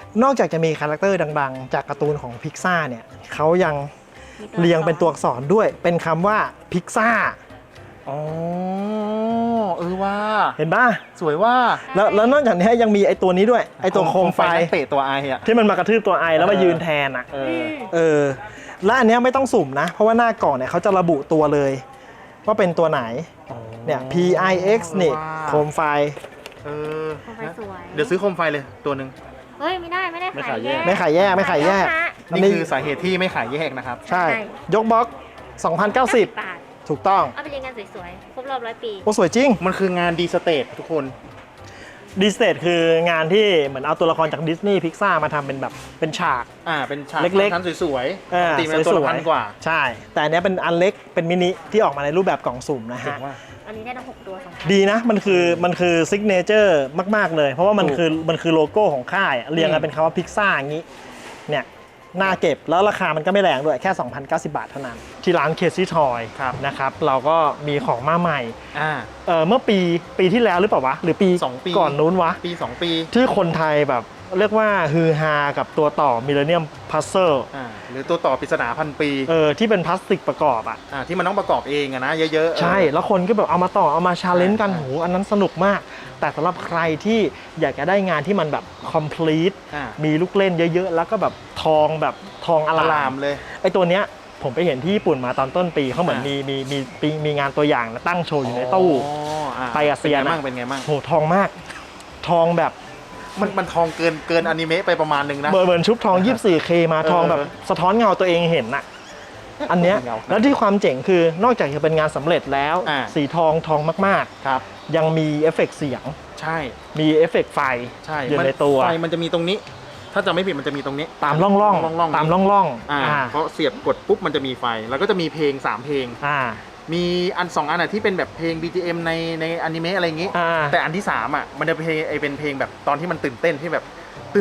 Speaker 1: นอกจากจะมีคาแรคเตอร์ดังๆจากการ์ตูนของพิกซ่าเนี่ยเขายังเรียงเป็นตัวอักษรด้วยเป็นคำว่าพิกซ่า
Speaker 2: อ๋อว่า
Speaker 1: เห็นป่ะ
Speaker 2: สวยว่า
Speaker 1: แล้วนอกจากนี้ยังมีไอตัวนี้ด้วยไอตัวโคมไฟ
Speaker 2: นักเตะตัวไออะ
Speaker 1: ที่มันมากระทืบตัวไอแล้วมายืนแทนอ่ะและอันเนี้ยไม่ต้องสุ่มนะ เพราะว่าหน้ากล่องเนี่ยเขาจะระบุตัวเลยว่าเป็นตัวไหนเนี่ย PIX นี่โคมไฟ
Speaker 6: โคมไฟสวย
Speaker 2: เดี๋ยวซื้อโคมไฟเลยตัวหนึ่ง
Speaker 6: เฮ้ย ไม่ได้ขายแยก
Speaker 1: ไม่ขายแยกไม่ขายแยก
Speaker 2: นี่คือสาเหตุที่ไม่ขายแยกนะครับ
Speaker 1: ใช่ ยกบล็อก 2,090
Speaker 6: บาท
Speaker 1: ถูกต้อง
Speaker 6: เอาไปเรียนกันสวยๆ ครบรอบ100 ปี
Speaker 1: โอ้สวยจริง
Speaker 2: มันคืองานดีสเตททุกคน
Speaker 1: ดิสเตทคืองานที่เหมือนเอาตัวละครจากดิสนีย์พิกซ่ามาทำเป็นแบบเป็นฉาก
Speaker 2: เป็นฉาก
Speaker 1: เล็กๆ
Speaker 2: ชั้นสวย
Speaker 1: ๆ
Speaker 2: ตีมันตัวละพันกว่า
Speaker 1: ใช่ แต่อันเนี้ยเป็นอันเล็กเป็นมินิที่ออกมาในรูปแบบกล่องสุ่มนะ
Speaker 2: เจ๋
Speaker 1: ฮะ
Speaker 2: งว่า
Speaker 6: อันนี้ได้ทั้ง6ตัว2,000
Speaker 1: ดีนะ มันคือซิกเนเจอร์มากๆเลย เพราะว่ามันคือโลโก้ของค่ายเรียงกันเป็นคำว่าพิกซ่าอย่างนี้เนี่ยน่าเก็บแล้วราคามันก็ไม่แรงด้วยแค่ 2,090 บาทเท่านั้น ที่ร้านเคซี่ทอยนะครับเราก็มีของมาใหม่เมื่อปีที่แล้วหรือเปล่าวะหรือปี
Speaker 2: 2 ปี
Speaker 1: ก่อนนู้นวะ
Speaker 2: ปี 2 ปี
Speaker 1: ที่คนไทยแบบเรียกว่าฮือฮากับตัวต่อมิลเลนเนียมพัซเซิล
Speaker 2: หรือตัวต่อปริศนาพันปี
Speaker 1: ที่เป็นพลาสติกประกอบอ่ะ
Speaker 2: ที่มันต้องประกอบเองอะนะเยอะๆ
Speaker 1: ใช่ แล้วคนก็แบบเอามาต่อเอามาชาเลนจ์กันโหอันนั้นสนุกมาก แต่สำหรับใครที่อยากจะได้งานที่มันแบบ complete มีลูกเล่นเยอะๆ แล้วก็แบบทองอ
Speaker 2: อ
Speaker 1: ลา
Speaker 2: ลาม มเลย
Speaker 1: ไอตัวเนี้ยผมไปเห็นที่ญี่ปุ่นมาตอนต้นปีเขาเหมือนมีงานตัวอย่างตั้งโชว์อยู่ในตู้ ไปกับเซียนอะ
Speaker 2: เป็นไงบ้าง
Speaker 1: โหทองมาก ทองแบบ
Speaker 2: มันทองเกินอนิเมะไปประมาณนึงนะ
Speaker 1: เหมือนชุบทอง 24K มาทองแบบสะท้อนเงาตัวเองเห็นน่ะ อันเนี้ย
Speaker 2: เงา
Speaker 1: แล้วที่ความเจ๋งคือนอกจากจะเป็นงานสำเร็จแล้ว สีทองมาก
Speaker 2: ครับ
Speaker 1: ๆ ยังมีเอฟเฟกต์เสียง
Speaker 2: ใช่
Speaker 1: มีเอฟเฟกต์ไฟ
Speaker 2: ใช่
Speaker 1: อยู่ในตัว
Speaker 2: ไฟมันจะมีตรงนี้ ถ้าจะไม่ผิดมันจะมีตรงนี้
Speaker 1: ตามร่องๆตามร่อง
Speaker 2: เพราะเสียบกดปุ๊บมันจะมีไฟ แล้วก็จะมีเพลง 3 เพลง มีอัน 2 อันที่เป็นแบบเพลง BGM ในอนิเมะอะไรอย่างงี้ แต่อันที่ 3 มันจะเป็นเพลงแบบตอนที่มันตื่นเต้นที่แบบตื่น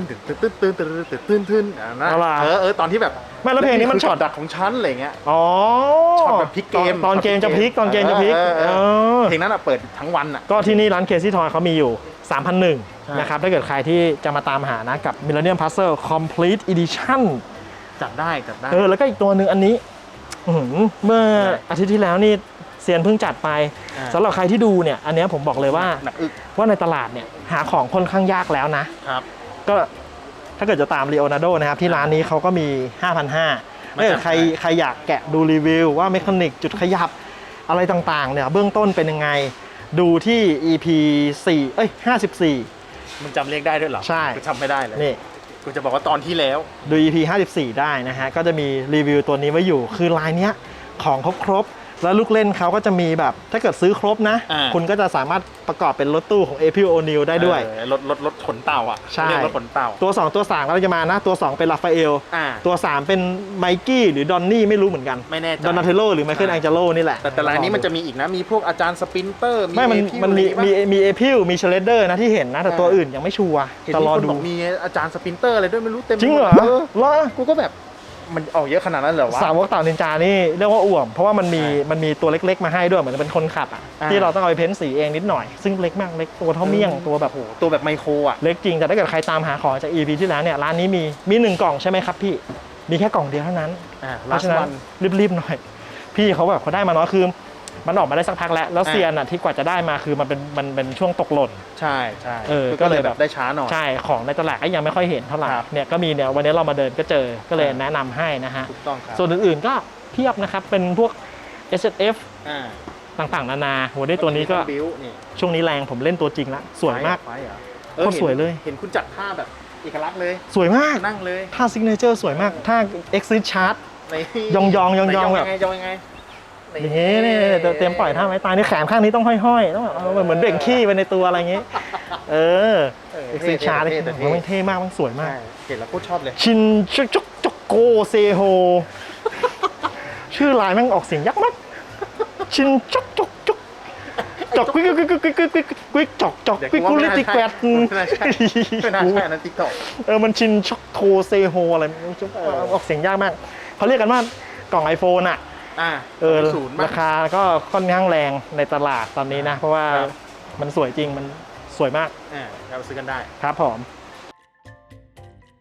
Speaker 2: นะตอนที่แบบ
Speaker 1: ไม่แล้วเพลงนี้มันช็อต
Speaker 2: ดักของฉันอะไรเงี้ย
Speaker 1: อ๋อ
Speaker 2: ช็อตแบบพลิกเกม
Speaker 1: ตอนเกมจะพลิก
Speaker 2: เพลงนั้นเปิดทั้งวัน
Speaker 1: ก็ที่นี่ร้านเคซี่ทอยเขามีอยู่ 3,100 นะครับถ้าเกิดใครที่จะมาตามหานะกับ Millennium Puzzle Complete Edition
Speaker 2: จัดได้
Speaker 1: แล้วก็อีกตัวหนึ่งอันนี้เมื่ออาทิตย์ที่แล้วนี่เซียนเพิ่งจัดไปสำหรับใครที่ดูเนี่ยอันนี้ผมบอกเลยว่าในตลาดเนี่ยหาของค่อนข้างยากแล้วนะครับก็ถ้าเกิดจะตาม Leonardo นะครับที่ร้านนี้เขาก็มี 5,500 ถ้าเกิดใครอยากแกะดูรีวิวว่าเมคานิกจุดขยับอะไรต่างๆเนี่ยเบื้องต้นเป็นยังไงดูที่ EP 54
Speaker 2: มึงจำเลขได้ด้วยเหรอ
Speaker 1: ใช่
Speaker 2: กูจำไม่ได้เลย
Speaker 1: นี่
Speaker 2: กูจะบอกว่าตอนที่แล้ว
Speaker 1: ดู EP 54ได้นะฮะก็จะมีรีวิวตัวนี้ไว้อยู่คือลายเนี้ยของครบแล้วลูกเล่นเขาก็จะมีแบบถ้าเกิดซื้อครบนะคุณก็จะสามารถประกอบเป็นรถตู้ของ April O'Neil ได้ด้วย
Speaker 2: รถขนเต่า
Speaker 1: ใช่
Speaker 2: รถขนเต่า
Speaker 1: ตัว2ตัว3เราจะมานะตัว2เป็นราฟาเอลตัว3เป็นไมกี้หรือดอนนี่ไม่รู้เหมือนกัน
Speaker 2: ไม่แน่ใจ
Speaker 1: ดอนนาเทโลหรือไมเคิลแองเจโลนี่แหละ
Speaker 2: แต่ลายนี้มันจะมีอีกนะมีพวกอาจารย์สปินเตอร์
Speaker 1: มันมีเอพิลมีเชเลเดอร์นะที่เห็นนะแต่ตัวอื่นยังไม่ชัวร์
Speaker 2: จะรอดูมีอาจารย์สปินเตอร์อะไรด้วยไม่รู้เต็ม
Speaker 1: จริงเหรอ
Speaker 2: กูก็แบบมันออกเยอะขนาดนั้นเหรอวะ
Speaker 1: สาวกเต่านินจานี่เรียกว่าอ่วมเพราะว่ามันมีตัวเล็กๆมาให้ด้วยเหมือนเป็นคนขับที่เราต้องเอาไปเพ้นสีเองนิดหน่อยซึ่งเล็กมากเล็กตัวเท่าเมี่ยงตัวแบบ
Speaker 2: ไมโคร
Speaker 1: เล็กจริงแต่ถ้าเกิดใครตามหาของจาก EP ที่แล้วเนี่ยร้านนี้มี1กล่องใช่ไหมครับพี่มีแค่กล่องเดียวเท่านั้นเพราะฉะนั้นรีบๆหน่อยพี่เขาแบบเขาได้มาน้อยคือมันออกมาได้สักพักแล้วเซียนที่กว่าจะได้มาคือมันเป็นช่วงตกหล่น
Speaker 2: ใช่
Speaker 1: ก็เลยแบบ
Speaker 2: ได้ช้าหน่อย
Speaker 1: ใช่ของในตลาดก็ยังไม่ค่อยเห็นเท่าไหร่เนี่ยก็มีเนี่ยวันนี้เรามาเดินก็เจอก็เลยแนะนำให้นะฮะ
Speaker 2: ถูกต้องครับ
Speaker 1: ส่วนอื่นๆก็เพียบนะครับเป็นพวก SSF ต่างๆนานาโหได้ตัวนี้ก็ช่วงนี้แรงผมเล่นตัวจริงละสวยมากโคตรสวยเลย
Speaker 2: เห็นคุณจัดท่าแบบเอกลักษณ์เลย
Speaker 1: สวยมาก
Speaker 2: นั่งเลย
Speaker 1: ท่าซิกเนเจอร์สวยมากท่า Exit Chart ยองแบบ
Speaker 2: ยังไง
Speaker 1: อย่างงี้นี่เตรียมปล่อยท่าไม้ตายนี่แขนข้างนี้ต้องห้อยๆต้องเหมือนเบ่งขี้ไปในตัวอะไรอย่างงี้เอ็กซ์ชาร์มันเท่มากมันสวยมาก
Speaker 2: เห็นแล้วโคตรชอบเลย
Speaker 1: ชินจกโกเซโฮชื่อลายแม่งออกเสียงยักษ์มากชินจกกุ๊กจอกกุลิติแกวด
Speaker 2: ไม่น่าใช่นั่นติ๊กต็อก
Speaker 1: มันชินช็อกโคเซโฮอะไรออกเสียงยากมากเขาเรียกกันว่ากล่อง iPhone ราคาก็ค่อนข้างแรงในตลาดตอนนี้นะเพราะว่ามันสวยจริงมันสวยมาก
Speaker 2: เราซื้อกันได้
Speaker 1: ครับผม